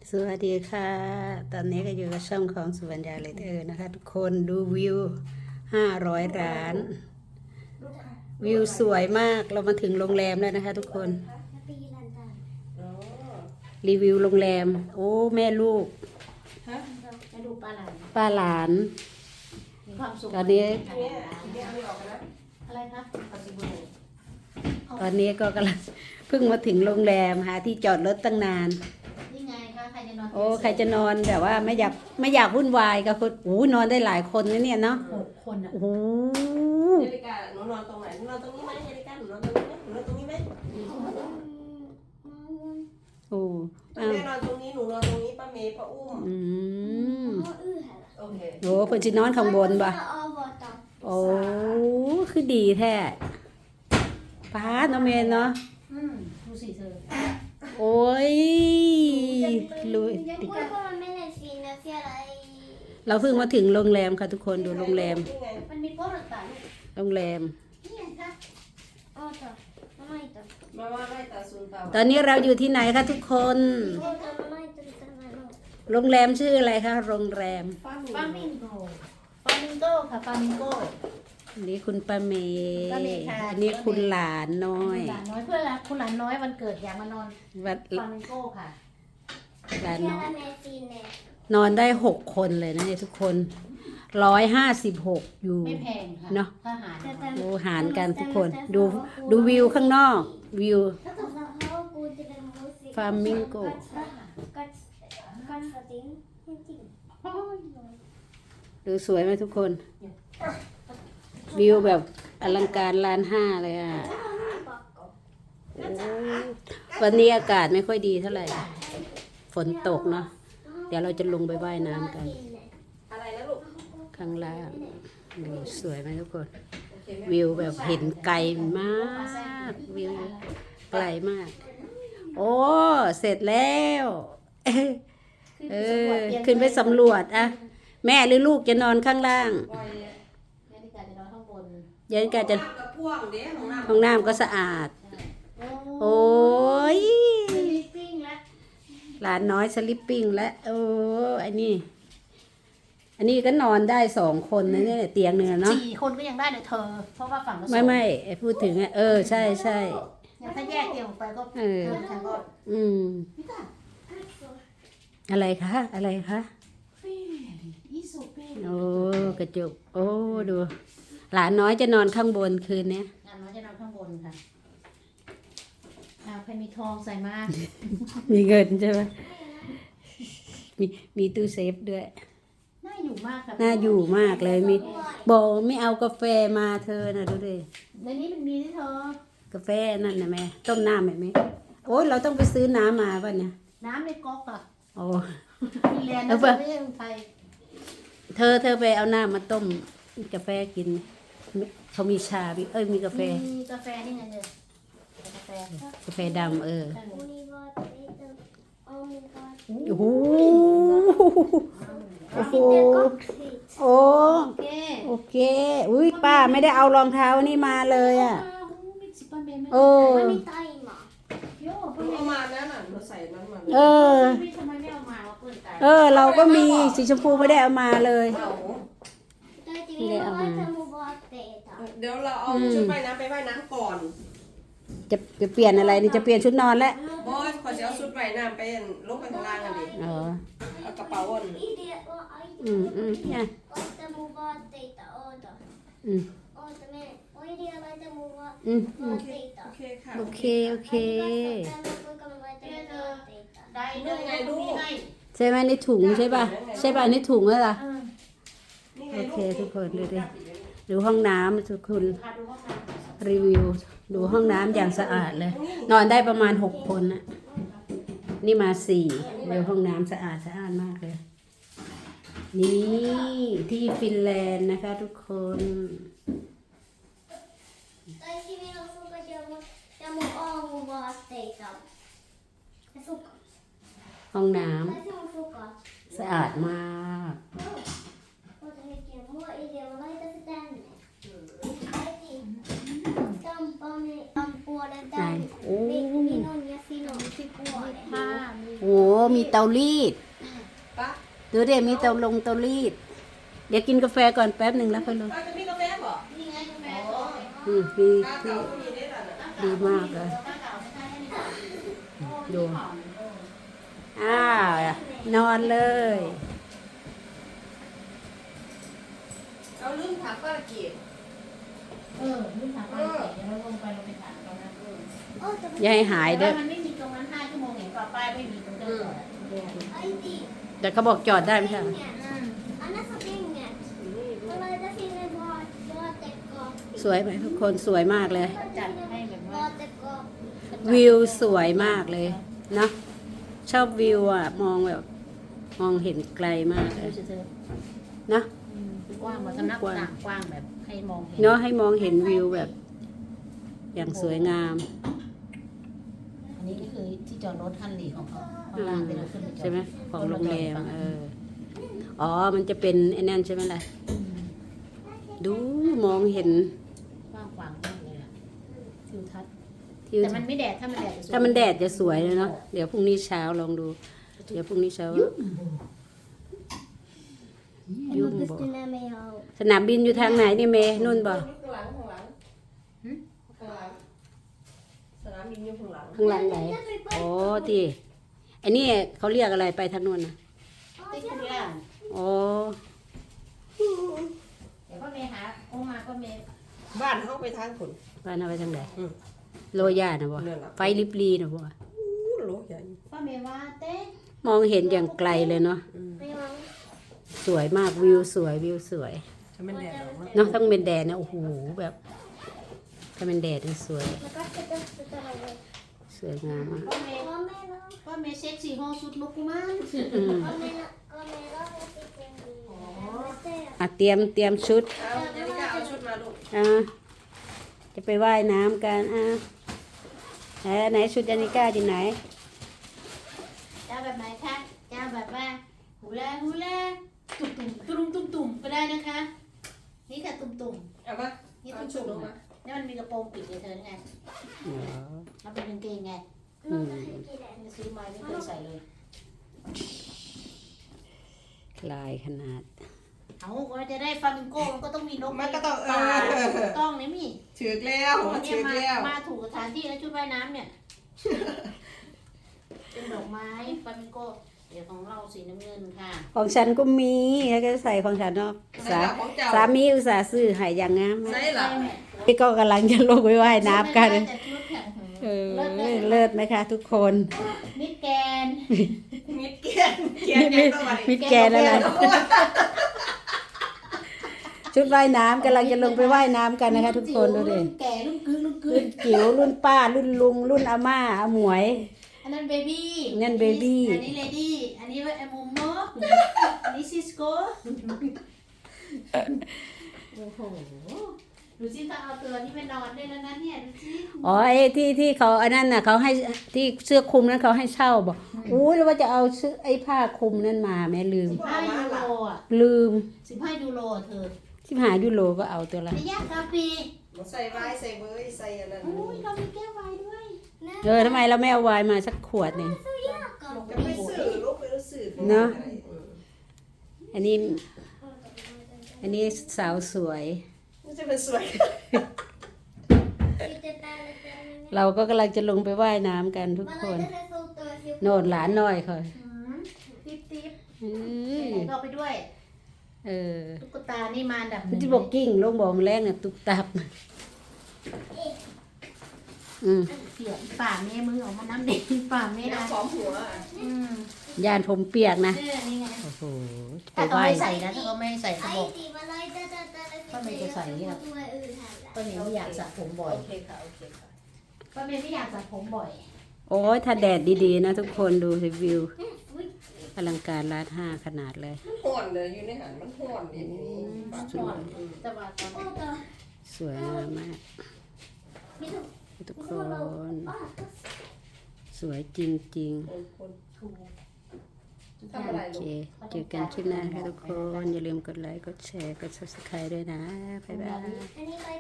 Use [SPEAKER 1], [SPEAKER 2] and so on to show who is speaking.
[SPEAKER 1] สวัสดีค่ะ ตอนนี้ก็อยู่กับช่องของสุวรรณยาเลยเธอนะคะ ทุกคนดูวิว500 ล้าน วิวสวยมากเรามาถึงโรงแรมแล้วนะคะ ทุกคน รีวิวโรงแรม โอ้แม่ลูก
[SPEAKER 2] ให้ดูปลาหลาน
[SPEAKER 1] ป้าหลาน
[SPEAKER 2] มีความสุข
[SPEAKER 1] ตอนนี้
[SPEAKER 2] อะไรครับปัจจุบัน
[SPEAKER 1] ตอนนี้ก็กำลังเพิ่งมาถึงโรงแรมหาที่จอดรถตั้งนาน
[SPEAKER 2] นี่ไงคะใครจะนอน
[SPEAKER 1] โอ้ใครจะนอนแบบว่าไม่อยากวุ่นวายกับคนโอ้นอนได้หลายคนนะเนี่ยเนาะ
[SPEAKER 2] 6 คนอ่ะ
[SPEAKER 1] โอ้โห
[SPEAKER 3] เจริกาหนูนอนตรงไหนหนูนอนตรงนี้ไหมเจริกาหนูนอนตรงนี้ไหมหนูนอนตรงนี้ไหม
[SPEAKER 1] โอ้
[SPEAKER 3] แม่นอนตรงนี้หนูนอนตรงนี้ป้าเมย์ป้าอุ้ม
[SPEAKER 1] อืม
[SPEAKER 3] โอเค
[SPEAKER 1] โอ้เพิ่นสินอนข้างบนป่ะโอ้คือดีแท้ป้าเนาะเมนเนาะ
[SPEAKER 2] ดูสิเธอ
[SPEAKER 1] โอ้ยลุยเราเพิ่งมาถึงโรงแรมค่ะทุกคนดูโรงแรม
[SPEAKER 3] นี่ไง
[SPEAKER 2] มันมีโป๊ะต่าง
[SPEAKER 1] โรงแรม
[SPEAKER 2] ๆนี่ไงคะ
[SPEAKER 3] มาว่าไล่ตาซุนตา
[SPEAKER 1] ตอนนี้เราอยู่ที่ไหนคะทุกคน โรงแรมชื่ออะไรคะโรงแรม
[SPEAKER 3] ป้า
[SPEAKER 2] ฟา
[SPEAKER 3] มี
[SPEAKER 2] มิงโกฟามิงโกค่ะฟามิงโก
[SPEAKER 1] อันนี้คุณป้าเมย์
[SPEAKER 2] ป้าเมย์ค่ะ
[SPEAKER 1] อันนี้คุณหลานน้อย
[SPEAKER 2] หลานน้อยเพื่อนรักคุณหลานน้อยวันเกิดอยากมานอน
[SPEAKER 1] วัด
[SPEAKER 2] ฟามิงโกค่ะ
[SPEAKER 1] หลานน้อยนอนได้6 คนเลยนะเนี่ยทุกคน156อยู่
[SPEAKER 2] ไม่แพงค่ะ
[SPEAKER 1] เนอะ
[SPEAKER 2] ถ้าหาร
[SPEAKER 1] ดูหารกันทุกคนดูวิวข้างนอกวิว ฟามิงโก ดูสวยไหมทุกคน วิวแบบอลังการ1.5 ล้านเลยอ่ะโอ้วันนี้อากาศไม่ค่อยดีเท่าไหร่ ฝนตกเนาะเดี๋ยวเราจะลงไปว่ายน้ำกัน
[SPEAKER 3] อะไรนะลูก
[SPEAKER 1] ข้างล่างดูสวยไหมทุกคน
[SPEAKER 3] โอเคแม่
[SPEAKER 1] วิวแบบเห็นไกลมากวิวไกลมาก โอ้เสร็จแล้วเออขึ้นไปสำรวจอะแม่หรือลูกจะนอนข้างล่าง
[SPEAKER 3] ปล่อย
[SPEAKER 2] นาฬิกาจะนอนข้างบน
[SPEAKER 1] ยันกาจะ
[SPEAKER 3] น้ำกระพ่วงเด้ของน้ำ
[SPEAKER 1] ห้องน้ำก็สะอาด โอ้ย
[SPEAKER 2] ลิปปิ้งแล้ว
[SPEAKER 1] หลานน้อยสลิปปิ้งและโอ้อันนี้ก็นอนได้2 คนนะเนี่ยเตียงเนื้อเนาะ
[SPEAKER 2] 4 คนก็ยังได้เลยเธอ เพราะว่าฝั่งละ
[SPEAKER 1] ไม่ไอ้พูดถึงอะใช่ใช่
[SPEAKER 2] ยังถ้าแยกเตียงออกไปก็
[SPEAKER 1] เออ
[SPEAKER 2] ฉันก็
[SPEAKER 1] อืม
[SPEAKER 2] พี่ตา
[SPEAKER 1] อะไรคะอะไรคะ
[SPEAKER 2] เฟ่อีสุเฟ่
[SPEAKER 1] โอ้กระจกโอ้ดู หลานน้อยจะนอนข้างบนคืนเนี้ย
[SPEAKER 2] งานน้อยจะนอนข้างบนค่ะใครมีทองใส่มา
[SPEAKER 1] มีเงินใช่ไหมมีตู้เซฟด้วย
[SPEAKER 2] น่าอยู่มากค่ะ
[SPEAKER 1] น่าอยู่มากเลยมีบอกไม่เอากาแฟมาเธอนะดูดิ
[SPEAKER 2] ในนี้มันมีที่เธอก
[SPEAKER 1] าแฟนั่นนะแม่ต้มน้ำไหมโอ้ยเราต้องไปซื้อน้ำมาป่ะเนี่ย
[SPEAKER 2] น้ำในก๊อกอะ
[SPEAKER 1] โอ้
[SPEAKER 2] มีแลนด์
[SPEAKER 1] แล้
[SPEAKER 2] นะ
[SPEAKER 1] วเพื่อ
[SPEAKER 2] ไม่ใช่เมืองไทย
[SPEAKER 1] เธอไปเอาน้ำมาต้มกาแฟกินเขามีชามีกาแฟ
[SPEAKER 2] มีกาแฟนี่ไงเนี่ยกาแฟ
[SPEAKER 1] กาแฟดำ
[SPEAKER 2] ใช่ไหม
[SPEAKER 1] โอ้โหโอ้โหโอ้
[SPEAKER 2] โอเค
[SPEAKER 1] โอเค อุ้ยป้าไม่ได้เอารองเท้านี่มาเลยอ่ะ
[SPEAKER 2] มีสิบปันเบนไหม
[SPEAKER 1] โอ้
[SPEAKER 2] โย่
[SPEAKER 3] หนูเอามานั่นน่ะหนูใส่นั้นมา
[SPEAKER 1] เออ
[SPEAKER 2] ไม่ทำไมไม่เอามาว่าเปิดใจ
[SPEAKER 1] เราก็มีสีชมพูไม่ได้เอามาเลย
[SPEAKER 3] เอา เดี๋ยวเราเอาชุดว่ายน้ำไปว่ายน้ำก่อน
[SPEAKER 1] จะเปลี่ยนอะไรนี่จะเปลี่ยนชุดนอนแล้ว
[SPEAKER 3] บอสขอจะเอาชุดว่ายน้ำไปลงไปข้างล่างกันดิ
[SPEAKER 1] อ๋อ
[SPEAKER 3] เอากระเป๋าอ่อน
[SPEAKER 1] เนี่ยอืม
[SPEAKER 3] โอเคค่ะ
[SPEAKER 1] โอเค
[SPEAKER 2] ได้เรื่องไงลูกให้
[SPEAKER 1] ใช่ไหมในถุงใช่ป่ะใช่ป่ะในถุงนั่นล่ะ
[SPEAKER 3] นี่ไง
[SPEAKER 1] โอ
[SPEAKER 3] ลูก
[SPEAKER 1] เคทุกคนดูดิดูห้องน้ำทุกคน
[SPEAKER 2] พาดูห้องน้ำ
[SPEAKER 1] รีวิว ดูห้องน้ำอย่างสะอาดเลย นอนได้ประมาณ6 คนน่ะนี่มา4ดูห้องน้ำสะอาดมากเลย นี่ที่ฟินแลนด์นะคะทุกคน ห้องน้ำสะอาดมาก
[SPEAKER 4] Tamponen ampuolen tänne.
[SPEAKER 1] Näin.
[SPEAKER 4] Minun ja sinun.
[SPEAKER 2] ผ้ามี
[SPEAKER 1] โอ้มีเตารีด
[SPEAKER 3] ปะ
[SPEAKER 1] ดูเดี๋ยวมีเตารีด เดี๋ยวกินกาแฟก่อนแป๊บหนึ่งแล้วค่อยลง
[SPEAKER 3] เราจะมีกาแฟบ่
[SPEAKER 2] นี่ไงกาแฟสด
[SPEAKER 1] มี
[SPEAKER 3] ข้าวเก่าก็มีได้แล้วนะ
[SPEAKER 1] ดีมากเลย
[SPEAKER 2] ข้าวเก่าไม่ใช่ให้นี่ก่อน
[SPEAKER 1] ดูอ้าวนอนเลย
[SPEAKER 3] เราลืมถามป้าละเกียรติ
[SPEAKER 2] รุ่นถามไปเดี๋ยวเราลงไปถามตรงนั้น
[SPEAKER 1] อย่าให้หาย
[SPEAKER 2] แต่
[SPEAKER 1] เด้อ
[SPEAKER 2] ว่ามันไม่มีตรงนั้น5 ชั่วโมงเห็นป่ะป้ายไม่มีตรงเดิน
[SPEAKER 1] แต่เขาบอกจอดได้ไม่ใช่เหรอ
[SPEAKER 2] Annars har pengar. Kolla, där finns en vattengång.
[SPEAKER 1] สวยไหมทุกคนสวยมากเลย
[SPEAKER 2] จัดให้แบบว่า
[SPEAKER 1] วิ วสวยมากเลยเนาะชอบวิวอ่ะ มองแบบมองเห็นไกลมากเลย
[SPEAKER 2] ดูสิเธอ
[SPEAKER 1] เนาะ
[SPEAKER 2] กว้างมาสำนักต่างกว้างแบบให้มองเห็น
[SPEAKER 1] เนาะให้มองเห็นวิวแบบ อย่างสวยงาม
[SPEAKER 2] อันนี้ก็คือที่จอดรถทันหลีของเขาข้างล่างที่เราขึ้นไปจอด
[SPEAKER 1] ใช่ไหมของโรงแรมอ๋อมันจะเป็นไอ้นั่นใช่ไหมล่ะดูมองเห็น
[SPEAKER 2] กว้างขวางมากเลยอะทิวทัศน์
[SPEAKER 1] ทิว
[SPEAKER 2] แต่มันไม่แดดถ้ามันแดดจะสวย
[SPEAKER 1] ถ้ามันแดดจะสวยเลยเนาะเดี๋ยวพรุ่งนี้เช้าลองดู เดี๋ยวพรุ่งนี้เช้ายุ่งบ่สนามบินอยู่ทางไหนนี่เมย์นุ่นบ่
[SPEAKER 3] ข้างหลังข้างหลังข้างหลังสนามบินอยู่ข้างหลัง
[SPEAKER 1] ข้างหลังไหนโอ้ที่อันนี้เขาเรียกอะไรไปทางนู้นนะ
[SPEAKER 2] ติ๊กคุณย่า
[SPEAKER 1] โอ้
[SPEAKER 2] เดี๋ยวพ่อเมย์หาโอ้มาพ่อเมย์
[SPEAKER 3] บ้านเขาไปทางผล
[SPEAKER 1] บ้านเอาไปทางไหน
[SPEAKER 3] อืม
[SPEAKER 1] โลย่านะบ่
[SPEAKER 3] นั่นล่ะ
[SPEAKER 1] ไฟลิบลีนะบ่
[SPEAKER 3] อู้โลใหญ่
[SPEAKER 2] พ่อเมย์ว่าเต้
[SPEAKER 1] มองเห็นอย่างไกลเลยเนาะสวยมากวิวสวยวิวสวย
[SPEAKER 3] จะไม่แดดหรอกนะ
[SPEAKER 1] เนาะต้องเป็นแดดนะโอ้โหแบบถ้าเป็นแดดนี่สวย สวยงามมาก
[SPEAKER 2] พ่อเมย์พ่อเมย์เซ็กซี่ห้องสุดลูกกุมาร
[SPEAKER 1] อืมอ่ะเตรียมชุด
[SPEAKER 3] เอาเจนิก้าเอาชุดมาลูก
[SPEAKER 1] จะไปว่ายน้ำกันไหนชุดยานิก้าอยู่ไหน
[SPEAKER 2] เจ้าแบบไหนคะเจ้าแบบว่าฮูลาฮูลาตุ่มก็ได้นะคะ นี่ค่ะตุ่ม
[SPEAKER 3] เอามา
[SPEAKER 2] นี่
[SPEAKER 3] เอา
[SPEAKER 2] ตุ่
[SPEAKER 3] ชุดลง
[SPEAKER 2] ม
[SPEAKER 3] มา
[SPEAKER 2] นี่มันมีกระโปรงปิดเลยเธอไง
[SPEAKER 1] อ๋อ
[SPEAKER 2] มันเป็นกางเกงไง
[SPEAKER 1] อืม
[SPEAKER 2] มันซื้อมาไม่เคยใส่เลย
[SPEAKER 1] ลายขนาด
[SPEAKER 2] เอาก็จะได้ฟลามิงโก้มันก็ต้องมีนก
[SPEAKER 3] มันก็ต้อง
[SPEAKER 2] ปลาต้องนี่มี
[SPEAKER 3] ถือกแล้ว
[SPEAKER 2] เนี่
[SPEAKER 3] ถื
[SPEAKER 2] ย
[SPEAKER 3] อกแล้ว
[SPEAKER 2] มาถูกสถานที่แล้วชุดว่ายน้ำเนี่ย เป็นดอกไม้ฟลามิงโก้เดี๋ยวของเราสีน้ำเงินค่ะ
[SPEAKER 1] ของฉันก็มีแล้วก็ใส่ของฉันเนาะ
[SPEAKER 3] ใส่หลักของเจ้า
[SPEAKER 1] สามีอุตส่าห์ซื้อให้อย่างงาม
[SPEAKER 3] ใส่หลัก
[SPEAKER 1] นี่ก็กำลังจะลงไปว่ายน้ำกัน
[SPEAKER 2] แต่ชุดแข็ง
[SPEAKER 1] เลิศไหมคะทุกคน
[SPEAKER 2] มิดแกน
[SPEAKER 3] มิดเกียนเกียนยังต้องมาดิ
[SPEAKER 1] มิดแกนอะไรชุดว่ายน้ำกำลังจะลงไปว่ายน้ำกันนะคะ ทุกคนดูดิ
[SPEAKER 2] รุ่นแก่รุ่นกึ่งรุ่นกึ่
[SPEAKER 1] รุ่
[SPEAKER 2] ง
[SPEAKER 1] นจิ๋วรุ่นป้ารุ่นลุงรุ่นอาม่าอาหมวย
[SPEAKER 2] อันนั้นเบบี้
[SPEAKER 1] นั่น baby
[SPEAKER 2] อันนี้เลดี้อันนี้ว่าไอมุมโมอันนี้ซิสโก้โอ้โหดูสิเขาเอาตัวนี้ไปนอนด้วยแล้วนะเนี่ยดูสิ
[SPEAKER 1] อ๋อไอ้ที่เขาอันนั้นน่ะเขาให้ที่เสื้อคลุมนั้นเขาให้เช่าบอกอู้แล้วว่าจะเอาเสื้อไอ้ผ้าคลุมนั้นมาแม่ลืม
[SPEAKER 2] 15 ยูโรอ่ะ
[SPEAKER 1] ลืม
[SPEAKER 2] 15 ยูโรอ่ะเธอ
[SPEAKER 1] 15 ยูโรก็เอาตัวละ
[SPEAKER 2] ไม่ยากกาแฟ
[SPEAKER 3] ใส่ไว้ใส่เบยใส่อันนั้น
[SPEAKER 2] อุ้ยเรามีแก้วไวน์ด้วย
[SPEAKER 1] ทำไมเราไม่เอาไวน์มาสักขวดหนึ่ง
[SPEAKER 3] จะไปสื่อลูกไปสื่อ
[SPEAKER 1] เนอะ อันนี้สาวสวย
[SPEAKER 3] มันจะเป็นสวย
[SPEAKER 1] เราก็กำลังจะลงไปว่ายน้ำกันทุกคน โน่นหลานน้อยค่ะ
[SPEAKER 2] ติ๊บติ๊บ
[SPEAKER 1] อืม
[SPEAKER 2] ไหนก็ไปด้วย
[SPEAKER 1] เออ
[SPEAKER 2] ตุ๊กตานี่มาอันดับห
[SPEAKER 1] มัน
[SPEAKER 2] นึ่ง
[SPEAKER 1] จะบอกกิ้งลงบอกแรงเนี่ยตุกตับอืม
[SPEAKER 2] เปียกป่าเมมือออกมาน้ำเด็กป่าเม
[SPEAKER 3] น้ำ
[SPEAKER 2] นะ
[SPEAKER 3] หอมหัว
[SPEAKER 1] ยานผมเปียกนะ
[SPEAKER 2] เนี่ยนี่ไง
[SPEAKER 1] โอ้โหไป
[SPEAKER 2] ถ้าเขา
[SPEAKER 1] ว่าย
[SPEAKER 2] ไม่ใส่นะถ้าเขาไม่ใส่เขาบอกก็ไม่จะใส่เนี่ยก็เมย์ไม่อยากสระผมบ่อย
[SPEAKER 3] โอเคค่ะโอเคค่ะ
[SPEAKER 2] ก็เมย์ไม่อยากสระผมบ่อย
[SPEAKER 1] โอ้ยถ้าแดดดีๆนะทุกคนดูสิวิวอลังการร้าน5ขนาดเลย
[SPEAKER 3] มันห่อนเลยอยู่ในหันมันห่อนดินี่
[SPEAKER 2] ก่อนแต่ว่าตอนนี้
[SPEAKER 1] สวยงามมากทุกคน สวยจริง
[SPEAKER 3] คน
[SPEAKER 2] ถูก
[SPEAKER 3] ทำอะไร
[SPEAKER 1] ๆ โอ
[SPEAKER 3] ลู
[SPEAKER 1] เค
[SPEAKER 3] ก
[SPEAKER 1] เจอกันคลิปหน้าค่ะทุกคน อย่าลืมกดไลค์ กดแชร์ กด subscribe ด้วยนะ บ๊ายบาย